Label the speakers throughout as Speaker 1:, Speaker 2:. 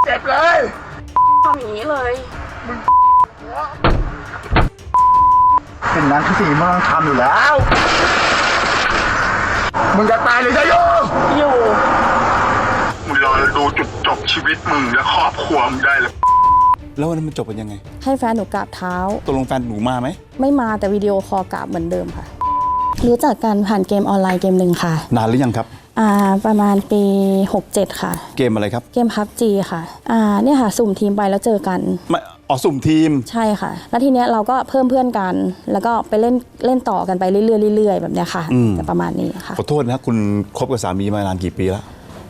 Speaker 1: เจ็บเลย
Speaker 2: ทำอย่างนี้เลย
Speaker 1: สิ่งนั้นคือสิ่งที่มึงต้องทำอยู่แล้วมึงจะตายหรือจะอยู่มึงรอดูจุดจบชีวิตมึงและครอบครัวมึงได้เลย
Speaker 3: แล้ววันนั้นมันจบเป็นยังไง
Speaker 2: ให้แฟนหนูกราบเท้า
Speaker 3: ตกลงแฟนหนูมาไหม
Speaker 2: ไม่มาแต่วิดีโอคอลกราบเหมือนเดิมค่ะรู้จักกันผ่านเกมออนไลน์เกมหนึ่งค่ะ
Speaker 3: นานหรือยังครับ
Speaker 2: ประมาณปี67ค่ะ
Speaker 3: เกมอะไรครับ
Speaker 2: เกม PUBG ค่ะเนี่ยค่ะสุ่มทีมไปแล้วเจอกัน
Speaker 3: สุ่มทีม
Speaker 2: ใช่ค่ะแล้วทีเนี้ยเราก็เพิ่มเพื่อนกันแล้วก็ไปเล่นต่อกันไปเรื่อยๆแบบเนี้ยค่ะแต่ประมาณนี้ค่ะ
Speaker 3: ขอโทษนะคุณคบกับสามีมานานกี่ปีแล้ว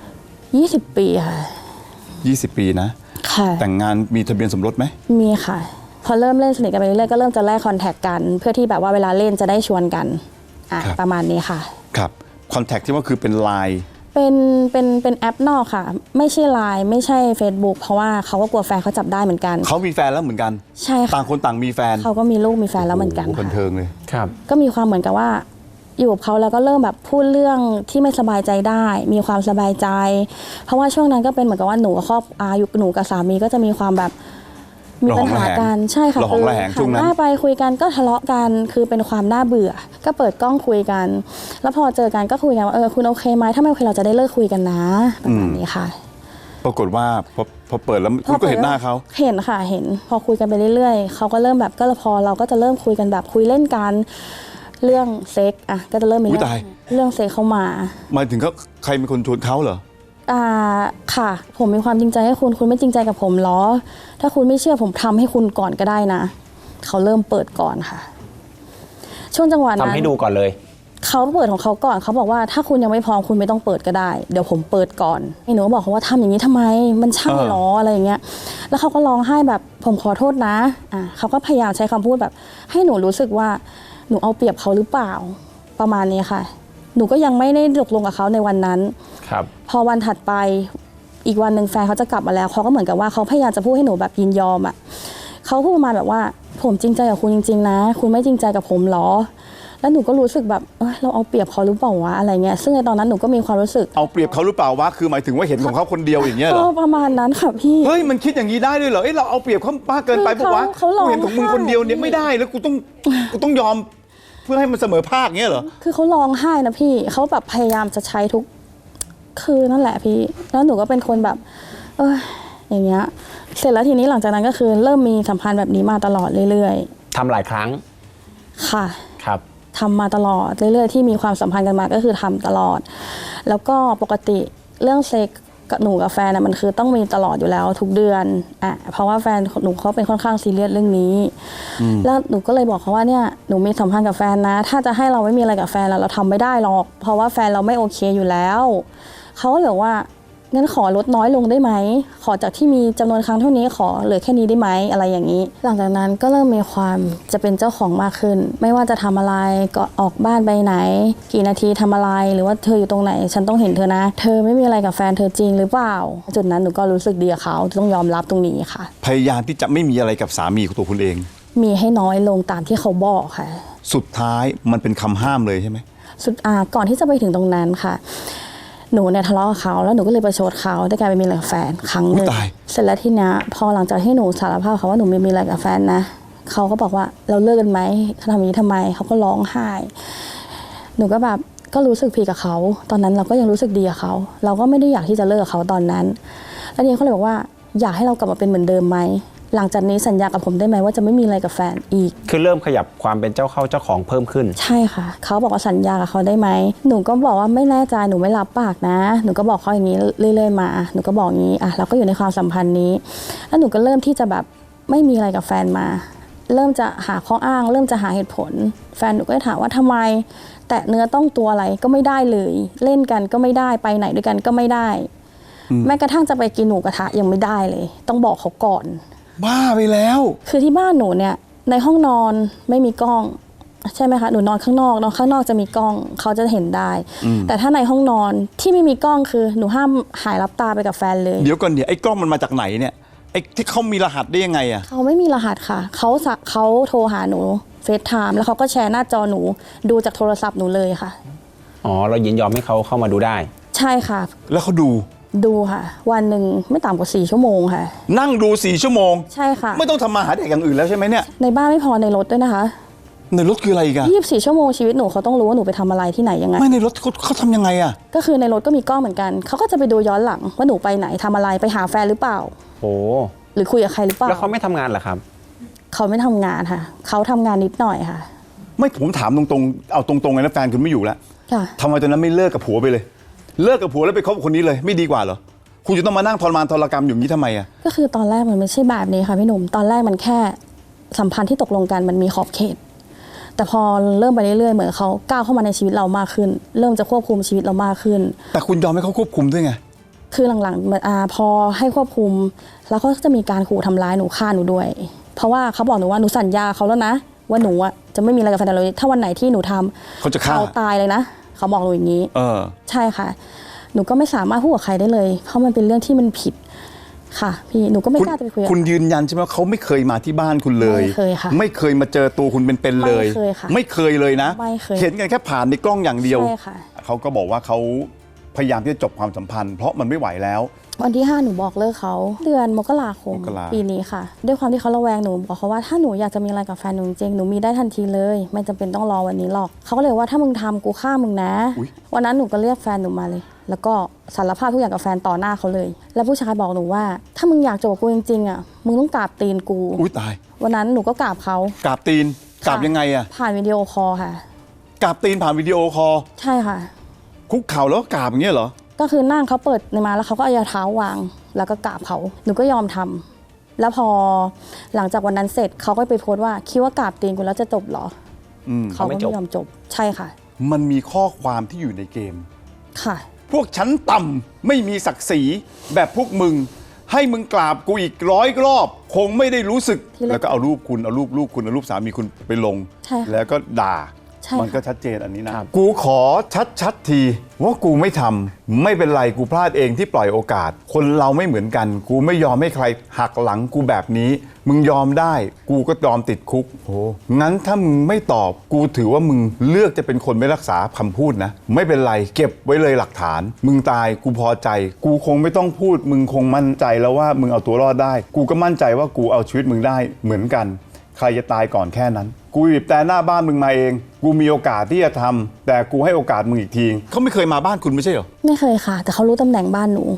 Speaker 2: 20 ปีค่ะ
Speaker 3: 20 ปีนะ
Speaker 2: ค่ะ
Speaker 3: แต่งงานมีทะเบียนสมรสไหม
Speaker 2: มีค่ะพอเริ่มเล่นสนิทกันไปเรื่อยๆก็เริ่มจะแลกคอนแทคกันเพื่อที่แบบว่าเวลาเล่นจะได้ชวนกันประมาณนี้ค่ะ
Speaker 3: ครับคอนแทคที่ว่าคือเป็นไลน์
Speaker 2: เป็นแอปนอกค่ะไม่ใช่ไลน์ไม่ใช่ Facebook เพราะว่าเขาก็กลัวแฟนเขาจับได้เหมือนกัน
Speaker 3: เขามีแฟนแล้วเหมือนกัน
Speaker 2: ใช่ค่ะ
Speaker 3: ต่างคนต่างมีแฟน
Speaker 2: เขาก็มีลูกมีแฟนแล้วเหมือนกัน
Speaker 3: บันเทิงเลย
Speaker 2: ครับก็มีความเหมือนกับว่าอยู่กับเขาแล้วก็เริ่มแบบพูดเรื่องที่ไม่สบายใจได้มีความสบายใจเพราะว่าช่วงนั้นก็เป็นเหมือนกับว่าหนูกับหนูกับสามีก็จะมีความแบบมีปัญหากันใช่ค่ะ
Speaker 3: คือหันหน้า
Speaker 2: ไปคุยกันก็ทะเลาะกันคือเป็นความน่าเบื่อก็เปิดกล้องคุยกันแล้วพอเจอกันก็คุยกันว่าคุณโอเคไหมถ้าไม่โอเคเราจะได้เลิกคุยกันนะประมาณนี้ค่ะ
Speaker 3: ปรากฏว่าพอเปิดแล้วคุณก็เห็นหน้าเขา
Speaker 2: เห็นค่ะเห็นพอคุยกันไปเรื่อยๆเขาก็เริ่มแบบก็พอเราก็จะเริ่มคุยกันแบบคุยเล่นกันเรื่องเซ็กก็จะเริ่มมีเรื่องเซ็กเข้ามา
Speaker 3: หมายถึงเขาใครเป็นคนชวนเขาเหรอ
Speaker 2: ค่ะผมมีความจริงใจให้คุณไม่จริงใจกับผมหรอถ้าคุณไม่เชื่อผมทำให้คุณก่อนก็ได้นะเขาเริ่มเปิดก่อนค่ะช่วงจังหวะนั้น
Speaker 4: ทำให้ดูก่อนเลย
Speaker 2: เขาเปิดของเขาก่อนเขาบอกว่าถ้าคุณยังไม่พร้อมคุณไม่ต้องเปิดก็ได้เดี๋ยวผมเปิดก่อนหนูบอกเขาว่าทำอย่างนี้ทำไมมันใช่หรออะไรอย่างเงี้ยแล้วเขาก็ร้องไห้แบบผมขอโทษนะเขาก็พยายามใช้คำพูดแบบให้หนูรู้สึกว่าหนูเอาเปรียบเขาหรือเปล่าประมาณนี้ค่ะหนูก็ยังไม่ได้ตกลงกับเขาในวันนั้น
Speaker 4: ครับ
Speaker 2: พอวันถัดไปอีกวันหนึ่งแฟนเขาจะกลับมาแล้วเขาก็เหมือนกับว่าเขาพยายามจะพูดให้หนูแบบยินยอมเขาพูดประมาณแบบว่าผมจริงใจกับคุณจริงๆนะคุณไม่จริงใจกับผมหรอแล้วหนูก็รู้สึกแบบเราเอาเปรียบเขาหรือเปล่าวะอะไรเงี้ยซึ่งในตอนนั้นหนูก็มีความรู้สึก
Speaker 3: เอาเปรียบเขาหรือเปล่าวะคือหมายถึงว่าเห็นของเขาคนเดียวอย่างเงี้ยเหรอ
Speaker 2: ประมาณนั้นค่ะพี่
Speaker 3: เฮ้ยมันคิดอย่างนี้ได้ด้วยเหรอเราเอาเปรียบเขามากเกินไปปะวะกูเห็นของมึงคนเดียวเนี่ยไม่ได้แล้วกูต้องยอมเพื่อให้มันเสมอภาคเงี้ยเหรอ
Speaker 2: คือเขาร้องไห้นะพี่เขาแบบพยายามจะใช้ทุกคือนั่นแหละพี่แล้วหนูก็เป็นคนแบบอย่างเงี้ยเสร็จแล้วทีนี้หลังจากนั้นก็คือเริ่มมีสัมพันธ์แบบนี้มาตลอดเรื่อย
Speaker 4: ๆทำหลายครั้ง
Speaker 2: ค่ะ
Speaker 4: ครับ
Speaker 2: ทำมาตลอดเรื่อยๆที่มีความสัมพันธ์กันมาก็คือทำตลอดแล้วก็ปกติเรื่องเซ็กกับหนูกับแฟนมันคือต้องมีตลอดอยู่แล้วทุกเดือนเพราะว่าแฟนหนูเขาเป็นค่อนข้างซีเรียสเรื่องนี้แล้วหนูก็เลยบอกเขาว่าเนี่ยหนูมีสัมพันธ์กับแฟนนะถ้าจะให้เราไม่มีอะไรกับแฟนเราทำไม่ได้หรอกเพราะว่าแฟนเราไม่โอเคอยู่แล้วเขาก็เลยว่างั้นขอลดน้อยลงได้ไหมขอจากที่มีจำนวนครั้งเท่านี้ขอเหลือแค่นี้ได้ไหมอะไรอย่างนี้หลังจากนั้นก็เริ่มมีความจะเป็นเจ้าของมากขึ้นไม่ว่าจะทำอะไรก็ออกบ้านไปไหนกี่นาทีทำอะไรหรือว่าเธออยู่ตรงไหนฉันต้องเห็นเธอนะเธอไม่มีอะไรกับแฟนเธอจริงหรือเปล่าจุดนั้นหนูก็รู้สึกดีกับเขาต้องยอมรับตรงนี้ค่ะ
Speaker 3: พยายามที่จะไม่มีอะไรกับสามีของตัวคุณเอง
Speaker 2: มีให้น้อยลงตามที่เขาบอกค่ะ
Speaker 3: สุดท้ายมันเป็นคำห้ามเลยใช่ไหม
Speaker 2: ก่อนที่จะไปถึงตรงนั้นค่ะหนูเนี่ยทะเลาะกับเขาแล้วหนูก็เลยประชดเขาด้วยการไปมีอะไรกับแฟนครั้งหนึ่งเสร็จแล้วทีเนี้ยพอหลังจากที่หนูสารภาพเขาว่าหนูมีอะไรกับแฟนนะเขาก็บอกว่าเราเลิกกันไหมเขาทำอย่างนี้ทำไมเขาก็ร้องไห้หนูก็แบบก็รู้สึกผิดกับเขาตอนนั้นเราก็ยังรู้สึกดีกับเขาเราก็ไม่ได้อยากที่จะเลิกกับเขาตอนนั้นแล้วทีนี้เขาเลยบอกว่าอยากให้เรากลับมาเป็นเหมือนเดิมไหมหลังจากนี้สัญญากับผมได้ไหมว่าจะไม่มีอะไรกับแฟนอีก
Speaker 4: คือเริ่มขยับความเป็นเจ้าเข้าเจ้าของเพิ่มขึ้น
Speaker 2: ใช่ค่ะเขาบอกว่าสัญญากับเขาได้ไหมหนูก็บอกว่าไม่แน่ใจหนูไม่รับปากนะหนูก็บอกเขาอย่างนี้เรื่อยๆมาหนูก็บอกงี้เราก็อยู่ในความสัมพันธ์นี้แล้วหนูก็เริ่มที่จะแบบไม่มีอะไรกับแฟนมาเริ่มจะหาข้ออ้างเริ่มจะหาเหตุผลแฟนหนูก็ถามว่าทำไมแตะเนื้อต้องตัวอะไรก็ไม่ได้เลยเล่นกันก็ไม่ได้ไปไหนด้วยกันก็ไม่ได้แม้กระทั่งจะไปกินหมูกระทะยังไม่ได้เลยต้องบอกเขาก่อน
Speaker 3: บ้าไปแล้ว
Speaker 2: คือที่บ้านหนูเนี่ยในห้องนอนไม่มีกล้องใช่ไหมคะหนูนอนข้างนอกจะมีกล้องเขาจะเห็นได้แต่ถ้าในห้องนอนที่ไม่มีกล้องคือหนูห้ามหายรับตาไปกับแฟนเลย
Speaker 3: เดี๋ยวก่อนไอ้กล้องมันมาจากไหนเนี่ยไอ้ที่เขามีรหัสได้ยังไงอะ
Speaker 2: เขาไม่มีรหัสค่ะเขาโทรหาหนูเฟซไทม์แล้วเขาก็แชร์หน้าจอหนูดูจากโทรศัพท์หนูเลยค่ะ
Speaker 4: อ๋อเรายินยอมให้เขาเข้ามาดูได้
Speaker 2: ใช่ค่ะ
Speaker 3: แล้วเขาดู
Speaker 2: ดูค่ะ วันหนึ่งไม่ต่ำกว่า4 ชั่วโมงค่ะ
Speaker 3: นั่งดู4 ชั่วโมง
Speaker 2: ใช่ค่ะ
Speaker 3: ไม่ต้องทำมาหาเด็กอย่างอื่นแล้วใช่ไหมเนี่ย
Speaker 2: ในบ้านไม่พอในรถด้วยนะคะ
Speaker 3: ในรถคืออะไรอีกัน
Speaker 2: 24 ชั่วโมงชีวิตหนูเขาต้องรู้ว่าหนูไปทำอะไรที่ไหนยังไง
Speaker 3: ไม่ในรถเขาทำยังไงอะ
Speaker 2: ก็คือในรถก็มีกล้องเหมือนกันเขาก็จะไปดูย้อนหลังว่าหนูไปไหนทำอะไรไปหาแฟนหรือเปล่า
Speaker 4: โอ้
Speaker 2: หรือคุยกับใครหรือเปล่า
Speaker 4: แล้วเขาไม่ทำงานเหรอครับ
Speaker 2: เขาไม่ทำงานค่ะเขาทำงานนิดหน่อยค่ะ
Speaker 3: ไม่ผมถามตรงๆเอาตรงๆเลยนะแฟนคุณไม่อยู่แล้ว
Speaker 2: ค่ะ
Speaker 3: ทำไมตอนนั้นไม่เลิกกับผัวไปเลย เลิกกับผัวแล้วไปคบกับคนนี้เลยไม่ดีกว่าเหรอคุณจะต้องมานั่งทรมานทรกรรมอย่างนี้ทำไมอะ
Speaker 2: ก็คือตอนแรกมันไม่ใช่แบบนี้ค่ะพี่หนุ่มตอนแรกมันแค่สัมพันธ์ที่ตกลงกันมันมีขอบเขต แต่พอเริ่มไปเรื่อยๆเหมือนเขาก้าวเข้ามาในชีวิตเรามากขึ้น เริ่มจะควบคุมชีวิตเรามากขึ้น
Speaker 3: แต่คุณยอมให้เขาควบคุมด้วยไง
Speaker 2: คือหลังๆเหมือนพอให้ควบคุม แล้วก็จะมีการขู่ทำร้ายหนูฆ่าหนูด้วย เพราะว่าเขาบอกหนูว่าหนูสัญญาเขาแล้วนะว่าหนูอ่ะจะไม่มีอะไรกับแฟนเลยถ้าวันไหนที่หนูทำ
Speaker 3: เขาจะฆ่า
Speaker 2: ตายเลยนะเขาบอกหนูอย่างนี้ ใช่ค่ะ หนูก็ไม่สามารถพูดกับใครได้เลย เพราะมันเป็นเรื่องที่มันผิดค่ะพี่หนูก็ไม่กล้าจะไปคุยกับ
Speaker 3: คุณยืนยันใช่ไหมว่าเขาไม่เคยมาที่บ้านคุณเลย
Speaker 2: ไม่เคยค่ะ
Speaker 3: ไม่เคยมาเจอตัวคุณเป็นๆเลย
Speaker 2: ไม่เคยค่ะ
Speaker 3: ไม่เคยเลยนะ
Speaker 2: ไม่เคย
Speaker 3: เห็นกันแค่ผ่านในกล้องอย่างเดียว
Speaker 2: ใช่ค่ะ
Speaker 3: เขาก็บอกว่าเขาพยายามที่จะจบความสัมพันธ์เพราะมันไม่ไหวแล้ว
Speaker 2: วันที่ 5 หนูบอกเลิกเขาเดือนมกราคม
Speaker 3: มกรา
Speaker 2: ปีนี้ค่ะ ด้วยความที่เขาระแวงหนูบอกเขาว่าถ้าหนูอยากจะมีอะไรกับแฟนหนูจริงๆหนูมีได้ทันทีเลย ไม่จำเป็นต้องรอวันนี้หรอกเขาก็เลยว่าถ้ามึงทำกูฆ่ามึงนะ วันนั้นหนูก็เรียกแฟนหนูมาเลย แล้วก็สารภาพทุกอย่างกับแฟนต่อหน้าเขาเลย แล้วผู้ชายบอกหนูว่า ถ้ามึงอยากจบกับกูจริงๆอ่ะมึงต้องกราบตีนกู
Speaker 3: อุ้ยตาย
Speaker 2: วันนั้นหนูก็กราบเขา
Speaker 3: กราบตีนกราบยังไงอะ
Speaker 2: ผ่านวิดีโอคอลค่ะ
Speaker 3: กราบตีนผ่านวิดีโอคอล
Speaker 2: ใช่ค่ะ
Speaker 3: คุกเข่าแล้วก็กราบอย่างเงี้ยเหรอ
Speaker 2: ก็คือนั่งเขาเปิดในมาแล้วเขาก็เอาเท้าวาง แล้วก็กราบเขาหนูก็ยอมทำแล้วพอหลังจากวันนั้นเสร็จเขาก็ไปโพสต์ว่าคิดว่ากราบตีนกูแล้วจะจบเหรอเขาก็ไม่ยอมจบใช่ค่ะ
Speaker 3: มันมีข้อความที่อยู่ในเกม
Speaker 2: ค่ะ
Speaker 3: พวกชั้นต่ำไม่มีศักดิ์ศรีแบบพวกมึง ให้มึงกราบกูอีก100 รอบ คงไม่ได้รู้สึก
Speaker 2: ที่แรก
Speaker 3: แล้วก็เอารูปคุณเอารูปลูกคุณเอารูปสามีคุณไปลง
Speaker 2: ใช่ค่ะ
Speaker 3: แล้วก็ด่า
Speaker 2: ใช่ค่ะ
Speaker 3: มันก็ชัดเจนอันนี้นะ กูขอชัดทีว่ากูไม่ทำไม่เป็นไรกูพลาดเองที่ปล่อยโอกาส คนเราไม่เหมือนกัน กูไม่ยอมให้ใครหักหลังกูแบบนี้ มึงยอมได้ กูก็ยอมติดคุกโอ้งั้นถ้ามึงไม่ตอบกูถือว่ามึงเลือกจะเป็นคนไม่รักษาคำพูดนะ ไม่เป็นไรเก็บไว้เลยหลักฐาน มึงตายกูพอใจ กูคงไม่ต้องพูด มึงคงมั่นใจแล้วว่ามึงเอาตัวรอดได้ กูก็มั่นใจว่ากูเอาชีวิตมึงได้เหมือนกัน ใครจะตายก่อนแค่นั้น กูบีบแต่หน้าบ้านมึงมาเอง กูมีโอกาสที่จะทำแต่กูให้โอกาสมึงอีกทีเขาไม่เคยมาบ้านคุณไม่ใช่เหรอ
Speaker 2: ไม่เคยค่ะ แต่เขารู้ตำแหน่งบ้านหนู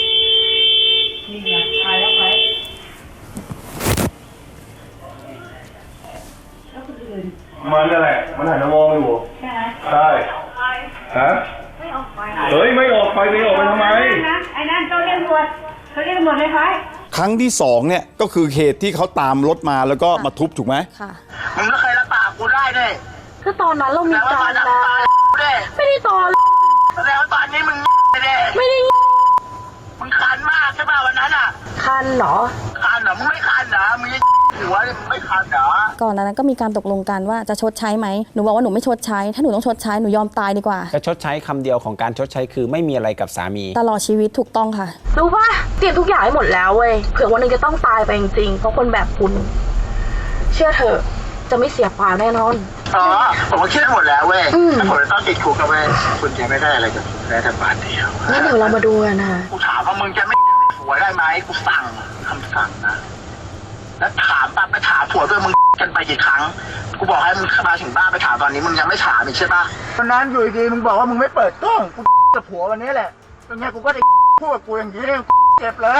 Speaker 1: มันอะไรมันหันมามองอยู่ใช่ไหมใช่ฮะไม่ออกไปเฮ้ยไม่ออกไปไม่ออกไปทำไม
Speaker 5: ไอ้นั่นเจ้าเรียกตำรวจเขาเรียกตำรวจเลยไหม
Speaker 3: ครั้งที่2เนี่ยก็คือเหตุที่เขาตามรถมาแล้วก็มาทุบถูกไหม
Speaker 2: ค่ะ
Speaker 1: มึงก็เคยรับปากกูได้ด้วย
Speaker 5: ก็ตอนนั้นเรามี
Speaker 1: แต่ว่า
Speaker 5: การ
Speaker 1: มาดับ
Speaker 5: แล้ว
Speaker 1: ตาด้วย
Speaker 5: ไม่ได้ตอน
Speaker 1: แสดงว่าตอนนี้มึงเลย
Speaker 5: ไม่ได้
Speaker 1: มึงคันมากใช่ป่ะวันนั้นอ่ะ
Speaker 5: คันเหรอ
Speaker 1: คันเหรอมึงไม่คันเหรอมึงยังหัวเลยมึงไม่คันเหรอ
Speaker 2: ก่อนหนานั้นก็มีการตกลงกันว่าจะชดใช้ไหมหนูบอกว่าหนูไม่ชดใช้ ถ้าหนูต้องชดใช้หนูยอมตายดีกว่า
Speaker 4: จะชดใช้คำเดียวของการชดใช้คือไม่มีอะไรกับสามี
Speaker 2: ตลอดชีวิตถูกต้องค่ะ
Speaker 5: รู้ป่ะเตรียมทุกอย่างให้หมดแล้วเว้ยเผื่อวันหนึงจะต้องตายไปจริงๆเพราะคนแบบคุณ เชื่อเถอะจะไม่เสียความแน่นอน
Speaker 1: อ๋อผมก็คิดหมดแล้วเว้ยถ้าผมจะต้องติดคุกนะเว้ยคุณจะไม่ได้อะไรกับผมได้แต่บาทเดียว
Speaker 5: งั้นเดี๋ยวเรามาดูกันนะ
Speaker 1: กูถามว่ามึงจะไม่ผัวได้ไหมกูสั่งคำสั่งนะแล้วถามปั๊บไปถามผัวด้วยมึงกันไปกี่ครั้งกูบอกให้มึงมาถึงบ้านไปถามตอนนี้มึงยังไม่ถามอีกใช่ปะวันนั้นอยู่ดีมึงบอกว่ามึงไม่เปิดกล้องกูกับผัววันนี้แหละตรงเนี้ยกูก็ได้พูดกับกูอย่างนี้เจ็บเลย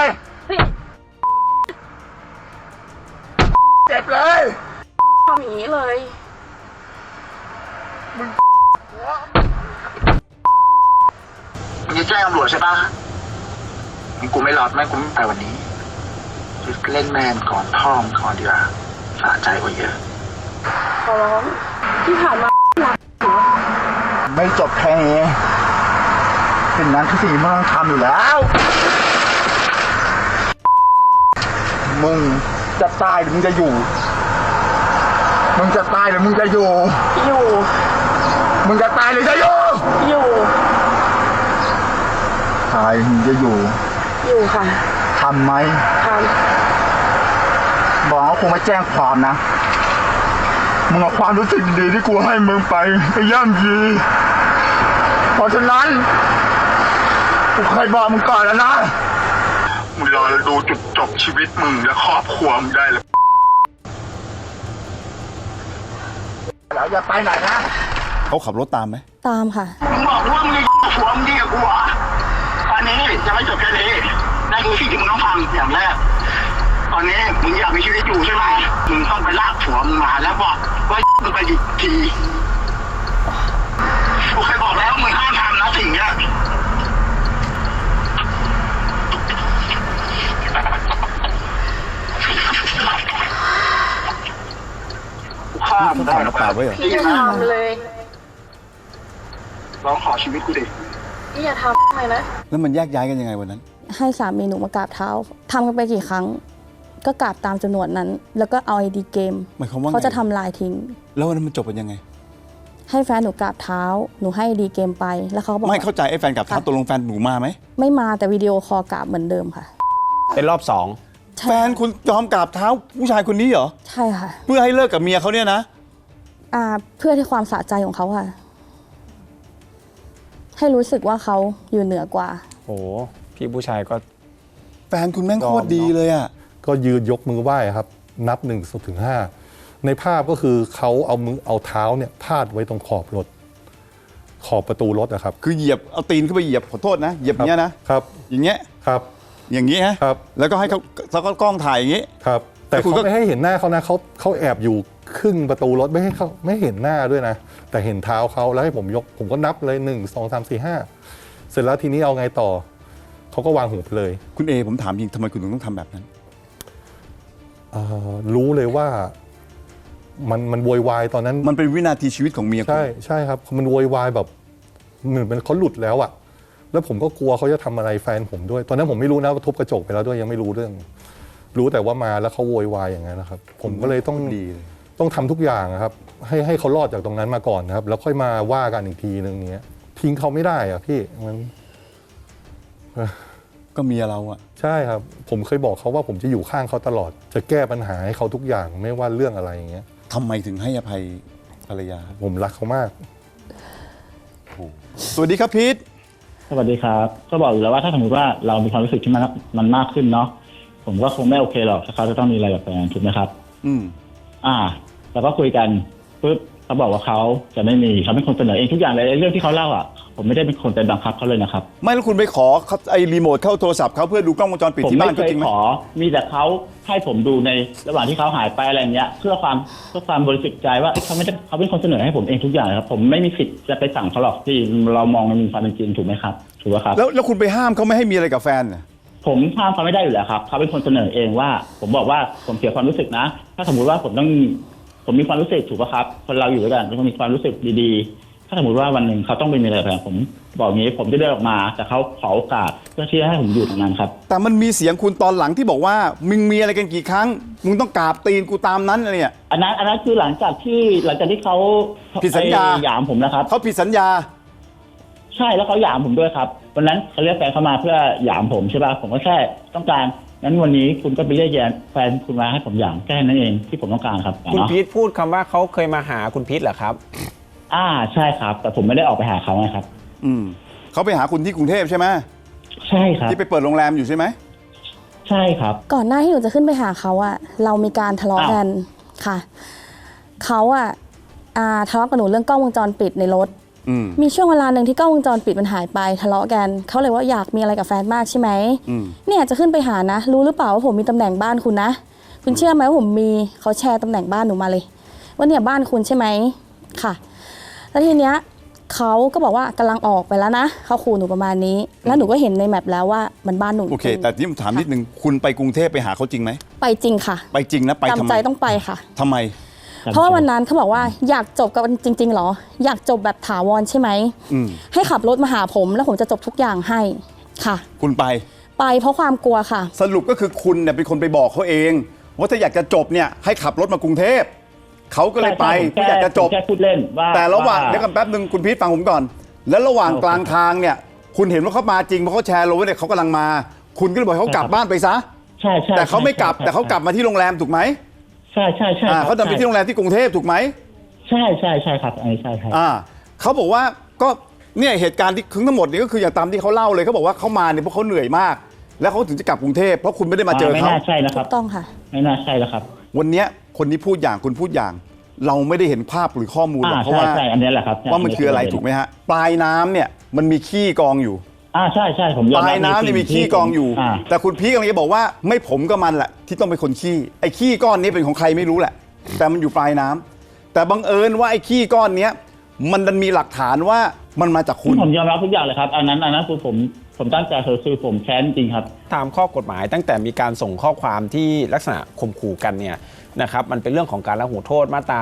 Speaker 1: เจ็บเลย
Speaker 5: ทำอย่างนี้เลย
Speaker 1: มึงจะแจ้งตำรวจใช่ปะกูไม่รอดไม่กูไม่ไปวันนี้เล่นแมนก่อนพ่อมก่อนดีกว่าสะใจกว่าเยอะ
Speaker 5: ขอร้องที่ผ่านมารัก
Speaker 1: ไม่จบแค่นี้สิ่งนั้นคือสิ่งที่มึงต้องทำอยู่แล้ว มึงจะตายหรือมึงจะอยู่ มึงจะตายหรือมึงจะอยู่
Speaker 5: อยู่
Speaker 1: มึงจะตายหรือจะอยู่
Speaker 5: อยู่
Speaker 1: ตายมึงจะอยู่
Speaker 5: อยู่ค่ะ
Speaker 1: ทำไหม
Speaker 5: ท
Speaker 1: บอกว่ากูไม่แจ้งความนะ มึงเอาความรู้สึกดีที่กูให้มึงไปย่ำยีเพราะฉะนั้นกูเคยบอกมึงก่อนแล้วนะมึงรอดูจุดจบชีวิตมึงและครอบครัวมึงได้เลยแล้วอย่าไปไหนนะ
Speaker 3: เขาขับรถตามไหม
Speaker 2: ตามค่ะ
Speaker 1: มึงบอกว่ามึงจะผัวมึงดีกับกูเหรอตอนนี้ยังไม่จบแค่นี้นั่นคือสิ่งที่มึงต้องทำอย่างแรกตอนนี้มึงอยากมีชีวิตอยู่ใช่ไหมมึงต้องไปลากผัวมึงมาแล้วบอกว่ามึงไปกี่ทีกูเคยบอกแล้วมึงห้ามทำนะสิ่งเนี้ยข้ามได้หรอ
Speaker 3: ปากไว้เหรอ
Speaker 5: พี่อย่าทำเลย
Speaker 1: ลองขอชีวิตกูดิ
Speaker 5: พี่อย่าทำเลยนะ
Speaker 3: แล้วมันแยกย้ายกันยังไงวันนั้น
Speaker 2: ให้สามีหนูมากราบเท้าทำกันไปกี่ครั้ง ก็กราบตามจำนวนนั้น แล้วก็เอาไอดีเกม
Speaker 3: หมายความว่าไง
Speaker 2: เขาจะทำลายทิ้ง
Speaker 3: แล้ววันนั้นมันจบกันยังไง
Speaker 2: ให้แฟนหนูกราบเท้า หนูให้ไอดีเกมไป แล้วเขาก็บอก
Speaker 3: ไม่เข้าใจไอ้แฟนกับท้าตกลงแฟนหนูมาไหม
Speaker 2: ไม่มาแต่วิดีโอคอลกราบเหมือนเดิมค่ะ
Speaker 4: เป็นรอบสอง
Speaker 2: ใช่
Speaker 3: แฟนคุณยอมกราบเท้าผู้ชายคนนี้เหรอ
Speaker 2: ใช่ค่ะ
Speaker 3: เพื่อให้เลิกกับเมียเขาเนี่ยนะ
Speaker 2: เพื่อที่ความสะใจของเขาค่ะ ให้รู้สึกว่าเขาอยู่เหนือกว่า
Speaker 4: โอ้พี่ผู้ชายก็
Speaker 3: แฟนคุณแม่งโคตรดีเลยอ่ะ
Speaker 6: ก็ยืนยกมือไหว้ครับ นับ1 ถึง 5ในภาพก็คือเขาเอาเท้าเนี่ยพาดไว้ตรงขอบรถ ขอบประตูรถอะครับ
Speaker 3: คือเหยียบเอาตีนขึ้นไปเหยียบขอโทษนะเหยียบอย่างเงี้ยนะครับ อย่างเงี้ย
Speaker 6: ครับ
Speaker 3: อย่างงี้ฮะ
Speaker 6: ครับ
Speaker 3: แล้วก็ให้เขาแล้วก็กล้องถ่ายอย่างงี้
Speaker 6: ครับ แต่
Speaker 3: แล้วคุณ
Speaker 6: เขา
Speaker 3: ก็
Speaker 6: ไม่ให้เห็นหน้าเขานะเขาแอบอยู่ครึ่งประตูรถไม่ให้เขาไม่เห็นหน้าด้วยนะ แต่เห็นเท้าเขาแล้วให้ผมยกผมก็นับเลย1 2 3 4 5เสร็จแล้วทีนี้เอาไงต่อเขาก็วางหูไปเลย
Speaker 3: คุณเอผมถามจริงทำไมคุณถึงต้องทำแบบนั้น
Speaker 6: รู้เลยว่ามันโวยวายตอนนั้น
Speaker 3: มันเป็นวินาทีชีวิตของเมียคุณ
Speaker 6: ใช่ครับมันโวยวายแบบเหมือนเป็นเขาหลุดแล้วอะแล้วผมก็กลัวเขาจะทำอะไรแฟนผมด้วย ตอนนั้นผมไม่รู้นะว่าทุบกระจกไปแล้วด้วยยังไม่รู้เรื่อง รู้แต่ว่ามาแล้วเขาโวยวายอย่างนั้นนะครับ ผมก็เลยต้อง
Speaker 3: ดีเลย
Speaker 6: ต้องทำทุกอย่างอะครับ ให้เขารอดจากตรงนั้นมาก่อนนะครับ แล้วค่อยมาว่ากันอีกทีนึงเนี้ยทิ้งเขาไม่ได้อะพี่มัน
Speaker 3: ก็เมียเราอะ
Speaker 6: ใช่ครับ ผมเคยบอกเขาว่าผมจะอยู่ข้างเขาตลอด จะแก้ปัญหาให้เขาทุกอย่างไม่ว่าเรื่องอะไรอย่างเงี้ย
Speaker 3: ทำไมถึงให้อภัยภรรยา
Speaker 6: ผมรักเขามาก
Speaker 3: สวัสดีครับพีท
Speaker 7: สวัสดีครับ ก็บอกอยู่แล้วว่าถ้าสมมติว่าเรามีความรู้สึกที่มันมากขึ้นเนาะผมก็คงไม่โอเคหรอกถ้าเขาจะต้องมีอะไรกับแฟนถูกไหมครับ
Speaker 3: อืม
Speaker 7: แล้วก็คุยกันปุ๊บเขาบอกว่าเขาจะไม่มีเขาเป็นคนเสนอเองทุกอย่างเลยเรื่องที่เขาเล่าอ่ะผมไม่ได้เป็นคนไปบังคับเขาเลยนะครับ
Speaker 3: ไม่แล้วคุณไปขอไอ้รีโมทเข้าโทรศัพท์เขาเพื่อดูกล้องวงจรปิด
Speaker 7: ผม
Speaker 3: ที่บ้า
Speaker 7: ไม่
Speaker 3: น
Speaker 7: เค
Speaker 3: เขา
Speaker 7: ย
Speaker 3: จริงไหม
Speaker 7: ขอมีแต่เขาให้ผมดูในระหว่างที่เขาหายไปอะไรเงี้ยเพื่อความบริสุทธิ์ใจว่าเขาไม่ได้เขาเป็นคนเสนอให้ผมเองทุกอย่างครับผมไม่มีสิทธิ์จะไปสั่งเขาหรอกที่เรามองในมุมความเป็นจริงถูกไหมครับถูกไหมครับ
Speaker 3: แล้วคุณไปห้ามเขาไม่ให้มีอะไรกับแฟนน่ะ
Speaker 7: ผมห้ามเขาไม่ได้อยู่แล้วครับเขาเป็นคนเสนอเองว่าผมบอกว่าผมเสียความรู้สึกนะถ้าสมมุติว่าผมมีความรู้สึกถูกป่ะครับคนเราอยู่ด้วยกันต้องมีความรู้สึกดีๆถ้าสมมติว่าวันหนึ่งเขาต้องเป็นอะไรแบบผมบอกงี้ผมจะเดินออกมาแต่เขาขอโอกาสเพื่อที่จะให้ผมอยู่ตรงนั้นครับ
Speaker 3: แต่มันมีเสียงคุณตอนหลังที่บอกว่ามึงมีอะไรกันกี่ครั้งมึงต้องกราบตีนกูตามนั้นอะไรเนี่ย
Speaker 7: อันนั้นคือหลังจากที่เขา
Speaker 3: ผิดสัญญา
Speaker 7: หยามผมนะครับ
Speaker 3: เขาผิดสัญญา
Speaker 7: ใช่แล้วเขาหยามผมด้วยครับวันนั้นเขาเรียกแฟนเข้ามาเพื่อหยามผมใช่ป่ะผมก็แค่ต้องการงั้นวันนี้คุณก็ไปเรียกแฟนคุณมาให้ผมหยามแค่นั้นเองที่ผมต้องการครับ
Speaker 4: คุณ
Speaker 7: เนาะ
Speaker 4: พีทพูดคำว่าเขาเคยมาหาคุณพีทเหรอครับ
Speaker 7: ใช่ครับแต่ผมไม่ได้ออกไปหาเขาไงครับ
Speaker 3: เขาไปหาคุณที่กรุงเทพใช่ไหม
Speaker 7: ใช่ครับ
Speaker 3: ที่ไปเปิดโรงแรมอยู่ใช่ไหม
Speaker 7: ใช่ครับ
Speaker 2: ก่อนหน้าที่หนูจะขึ้นไปหาเขาอะเรามีการทะเลาะกันค่ะเขาทะเลาะกับหนูเรื่องกล้องวงจรปิดในรถมีช่วงเวลาหนึ่งที่กล้องวงจรปิดมันหายไปทะเลาะกันเขาเลยว่าอยากมีอะไรกับแฟนมากใช่ไหมเนี่ยจะขึ้นไปหานะรู้หรือเปล่าว่าผมมีตำแหน่งบ้านคุณนะคุณเชื่อไหมว่าผมมีเขาแชร์ตำแหน่งบ้านหนูมาเลยว่าเนี่ยบ้านคุณใช่ไหมค่ะแล้วทีเนี้ยเขาก็บอกว่ากำลังออกไปแล้วนะเขาขู่หนูประมาณนี้แล้วหนูก็เห็นในแมปแล้วว่ามันบ้านหนู
Speaker 3: โอเค แต่ที่ผมถามนิดนึงคุณไปกรุงเทพไปหาเขาจริงไหม
Speaker 2: ไปจริงค่ะ
Speaker 3: ไปจริงนะไปทำ
Speaker 2: จำ
Speaker 3: ไม
Speaker 2: ใจต้องไปค่ะ
Speaker 3: ทำไม
Speaker 2: เพราะว่าวันนั้นเขาบอกว่าอยากจบกับจริงๆเหรออยากจบแบบถาวรใช่ไหมให้ขับรถมาหาผมแล้วผมจะจบทุกอย่างให้ค่ะ
Speaker 3: คุณไป
Speaker 2: เพราะความกลัวค่ะ
Speaker 3: สรุปก็คือคุณเนี่ยเป็นคนไปบอกเขาเองว่าถ้าอยากจะจบเนี่ยให้ขับรถมากรุงเทพเขาก็เลยไป
Speaker 7: ใช่
Speaker 3: เพื่ออยากจะจบ
Speaker 7: แค่พูดเล่นว่า
Speaker 3: แต่ระหว่างเดี๋ยวกันแป๊บนึงคุณพีทฟังผมก่อน แล้วระหว่างกลางทางเนี่ยคุณเห็นว่าเขามาจริงเพราะเขาแชร์ลงไว้เนี่ยเขากำลังมา คุณก็เลยบอกให้เขากลับบ้านไปซะ
Speaker 7: ใช่ใช่
Speaker 3: แต่เขาไม่กลับ
Speaker 7: ใช่
Speaker 3: แต่เขากลับมาที่โรงแรมถูกไหม
Speaker 7: ใช่ใช่ใช่
Speaker 3: เขาเดินไปที่โรงแรมที่กรุงเทพถูกไหม
Speaker 7: ใช่ใช่ใช่ครับอันนี้ใช่ครับ
Speaker 3: เขาบอกว่าก็เนี่ยเหตุการณ์ที่ทั้งหมดนี่ก็คืออย่างตามที่เขาเล่าเลยเขาบอกว่าเขามาเนี่ยเพราะเขาเหนื่อยมาก แล้วเขาถึงจะกลับกรุงเทพเพราะคุณไม่ได้มาเจอ
Speaker 7: ไม่
Speaker 3: เขา
Speaker 7: น่าใช่นะค
Speaker 2: ถู
Speaker 7: รับ
Speaker 2: กต้องค่ะ
Speaker 7: ไม่น่าใช่แล้วครับ
Speaker 3: วันเนี้ยคนนี้พูดอย่างคุณพูดอย่าง เราไม่ได้เห็นภาพหรือข้อมูลหรอกเพราะ
Speaker 7: ใช่
Speaker 3: ว่า
Speaker 7: ใช่อันนี้แหละครับ
Speaker 3: ว่ามันคืออะไรถูกไหมฮะปลายน้ำเนี่ยมันมีขี้กองอยู่
Speaker 7: ใช่ใช่ผมยอม
Speaker 3: ป
Speaker 7: รับ
Speaker 3: ลายน้ำเนี่ยมีขี้กองอยู่ แต่คุณพีคกำลังจะบอกว่าไม่ผมก็มันแหละที่ต้องเป็นคนขี้ไอ้ขี้ก้อนนี้เป็นของใครไม่รู้แหละ แต่มันอยู่ปลายน้ำแต่บังเอิญว่าไอ้ขี้ก้อนเนี้ยมันดันมีหลักฐานว่ามันมาจากคุณ
Speaker 7: ผมยอมรับทุกอย่างเลยครับอันนั้นคือผมตั้งใจคือผมแค้นจริงครับ
Speaker 4: ตามข้อกฎหมายตั้งแต่มีการส่งข้อความที่ลักษณะข่มขู่กันเนี่ยนะครับมันเป็นเรื่องของการละหูโทษมาตรา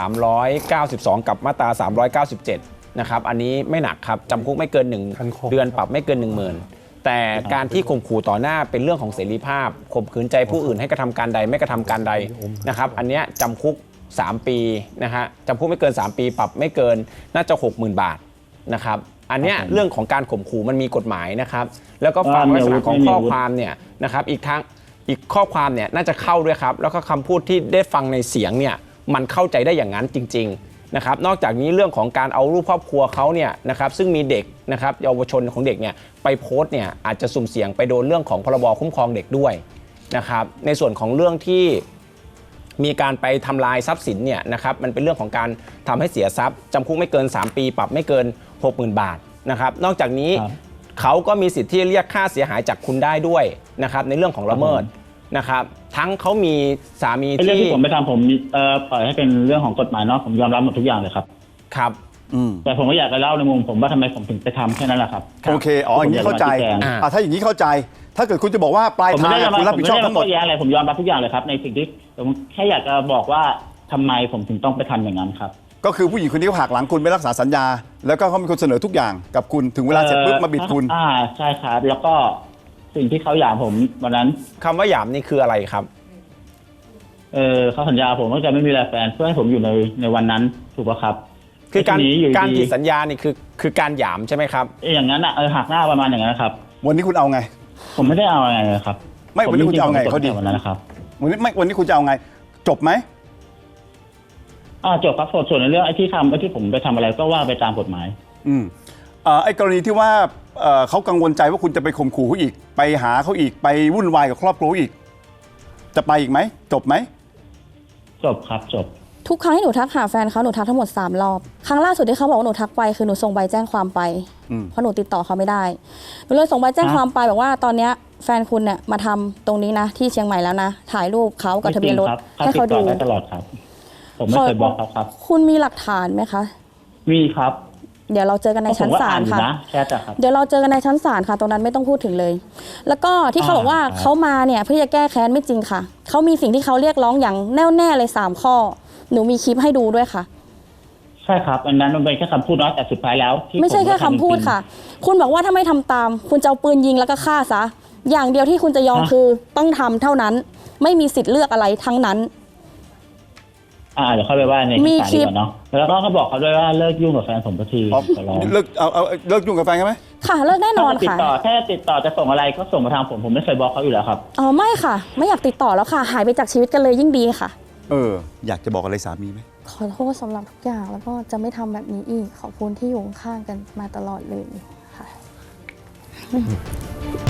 Speaker 4: 392 กับมาตรา 397 นะครับอันนี้ไม่หนักครับจำคุกไม่เกิน
Speaker 6: ทันข้อ
Speaker 4: 1 เดือนปรับไม่เกิน 10,000 แต่การที่ข่มขู่ต่อหน้าเป็นเรื่องของเสรีภาพข่มขืนใจผู้อื่นให้กระทำการใดไม่กระทำการใดนะครับอันเนี้ยจำคุก 3 ปีนะฮะจำคุกไม่เกิน 3 ปีปรับไม่เกินน่าจะ 60,000 บาทนะครับอันเนี้ยเรื่องของการข่มขู่มันมีกฎหมายนะครับแล้วก็ฟังลักษณะของข้อความเนี่ยนะครับอีกข้อความเนี่ยน่าจะเข้าด้วยครับแล้วก็คำพูดที่ได้ฟังในเสียงเนี่ยมันเข้าใจได้อย่างนั้นจริงๆนะครับนอกจากนี้เรื่องของการเอารูปครอบครัวเขาเนี่ยนะครับซึ่งมีเด็กนะครับเยาวชนของเด็กเนี่ยไปโพสต์เนี่ยอาจจะสุ่มเสี่ยงไปโดนเรื่องของพรบคุ้มครองเด็กด้วยนะครับในส่วนของเรื่องที่มีการไปทำลายทรัพย์สินเนี่ยนะครับมันเป็นเรื่องของการทำให้เสียทรัพย์จำคุกไม่เกิน3 ปีปรับไม่เกิน 60,000 บาทนะครับนอกจากนี้
Speaker 7: ครับ
Speaker 4: เขาก็มีสิทธิ์ที่จะเรียกค่าเสียหายจากคุณได้ด้วยนะครับในเรื่องของละเมิดนะครับทั้งเขามีสามี
Speaker 7: ไอ้เรื่อง
Speaker 4: ที่
Speaker 7: ที่ผมไปทำผมปล่อยให้เป็นเรื่องของกฎหมายเนาะผมยอมรับหมดทุกอย่างเลยครับ
Speaker 4: ครับ
Speaker 7: แต่ผมก็อยากจะเล่าในมุมผมว่าทำไมผมถึงไปทำแค่นั้นแหละครับ
Speaker 3: โอเคอย่างนี้เข้าใจ
Speaker 7: ผมอยากจะชี้แจง
Speaker 3: ถ้าอย่างนี้เข้าใจ ถ้าเกิดคุณจะบอกว่าปลาย
Speaker 7: ผม
Speaker 3: ทาง
Speaker 7: ไม่ได้
Speaker 3: คุณรับผิดชอบทั้งหมด
Speaker 7: แย้งอะไรผมยอมรับทุกอย่างเลยครับในสิ่งที่ผมแค่อยากจะบอกว่าทำไมผมถึงต้องไปทำอย่างนั้นครับ
Speaker 3: ก็คือผู้หญิงคนนี้เขาหักหลังคุณไม่รักษาสัญญา แล้วก็เขาเป็นคนเสนอทุกอย่างกับคุณถึงเวลาเสร็จปุ๊บมาบิดคุณ
Speaker 7: ใช่ครับแล้วก็สิ่งที่เขาหย่าผมวันนั้น
Speaker 4: คำว่าหยามนี่คืออะไรครับ
Speaker 7: เขาสัญญาผมว่าจะไม่มีแฟนเพื่อให้ผมอยู่ในวันนั้นถูกป่ะครับ
Speaker 4: คือการ
Speaker 7: ทีนี้อยู่
Speaker 4: การ
Speaker 7: ดี
Speaker 4: ผิดสัญญานี่คือการหยามใช่ไหมครับ
Speaker 7: อย่างนั้นหักหน้าประมาณอย่างนั้นนะครับ
Speaker 3: วันนี้คุณเอาไง
Speaker 7: ผมไม่ได้เอาอะไรเลยครับ
Speaker 3: ไม่วันนี้คุณจะเอาไงเขาดี
Speaker 7: วันนั้นนะครับ
Speaker 3: วันนี้คุณจะเอาไง จบไหม
Speaker 7: จบครับส่วนในเรื่องไอ้ที่ผมไปทำอะไรก็ว่าไปตามกฎหมาย
Speaker 3: ไอ้กรณีที่ว่าเขากังวลใจว่าคุณจะไปข่มขู่เขาอีก ไปหาเขาอีกไปวุ่นวายกับครอบครัวอีก จะไปอีกไหมจบไหม
Speaker 7: จบครับจบ
Speaker 2: ทุกครั้งที่หนูทักหาแฟนเขาหนูทักทั้งหมด3 รอบครั้งล่าสุดที่เขาบอกว่าหนูทักไปคือหนูส่งใบแจ้งความไปเพราะหนูติดต่อเขาไม่ได้หนูเลยส่งใบแจ้งความไปบอกว่าตอนเนี้ยแฟนคุณเนี่ยมาทำตรงนี้นะที่เชียงใหม่แล้วนะถ่ายรูปเขากับทะเบียนรถให้เขาดู
Speaker 7: ติดต่อได้ตลอดครับ ผมไม่เคยบอกเขาครับ
Speaker 2: คุณมีหลักฐานไหมคะ
Speaker 7: มีครับ
Speaker 2: เดี๋ยวเราเจอกันในชั้นศาลค่ะ
Speaker 7: ผมก็อ่านอยู่นะแชทอะครับ
Speaker 2: เดี๋ยวเราเจอกันในชั้นศาลค่ะ ตรงนั้นไม่ต้องพูดถึงเลย แล้วก็ที่เขาบอกว่า
Speaker 7: ครับ
Speaker 2: เขามาเนี่ยเพื่อจะแก้แค้นไม่จริงค่ะ เขามีสิ่งที่เขาเรียกร้องอย่างแน่วแน่เลย3 ข้อ หนูมีคลิปให้ดูด้วยค่ะ
Speaker 7: ใช่ครับอันนั้นมันเป็นแค่คำพูดเนาะแต่สุดท้ายแล้วที่
Speaker 2: ไม่ใช่แค่คำพูดค่ะ คุณบอกว่าถ้าไม่ทำตาม คุณจะเอาปืนยิงแล้วก็ฆ่าซะ อย่างเดียวที่คุณจะยอมคือต้องทำเท่านั้น ไม่มีสิทธิ์เลือกอะไรทั้งนั้น
Speaker 7: เดี๋ยวเข้าไปว่าใน
Speaker 2: มี
Speaker 7: ศาล
Speaker 2: คลิ
Speaker 7: ดี
Speaker 2: ป
Speaker 7: กว่าเนาะแล้วก็เขาบอกเขาด้วยว่าเลิกยุ่งกับแฟนผมสักที
Speaker 3: อ๋อ
Speaker 7: ขอร้อง
Speaker 3: เลิกยุ่งกับแฟนกันไหม
Speaker 2: ค่ะเลิกแน่นอน
Speaker 7: ติด
Speaker 2: ค่ะ
Speaker 7: ต่อแค่ติดต่อจะส่งอะไรก็ส่งมาทางผมไม่เคยบอกเขาอยู่แล้วครับ
Speaker 2: อ๋อไม่ค่ะ ไม่อยากติดต่อแล้วค่ะ หายไปจากชีวิตกันเลยยิ่งดีค่ะ
Speaker 3: อยากจะบอกอะไรสามีไหม
Speaker 2: ขอโทษสำหรับทุกอย่างแล้วก็จะไม่ทำแบบนี้อีก ขอบคุณที่อยู่ข้างๆกันมาตลอดเลยค่ะ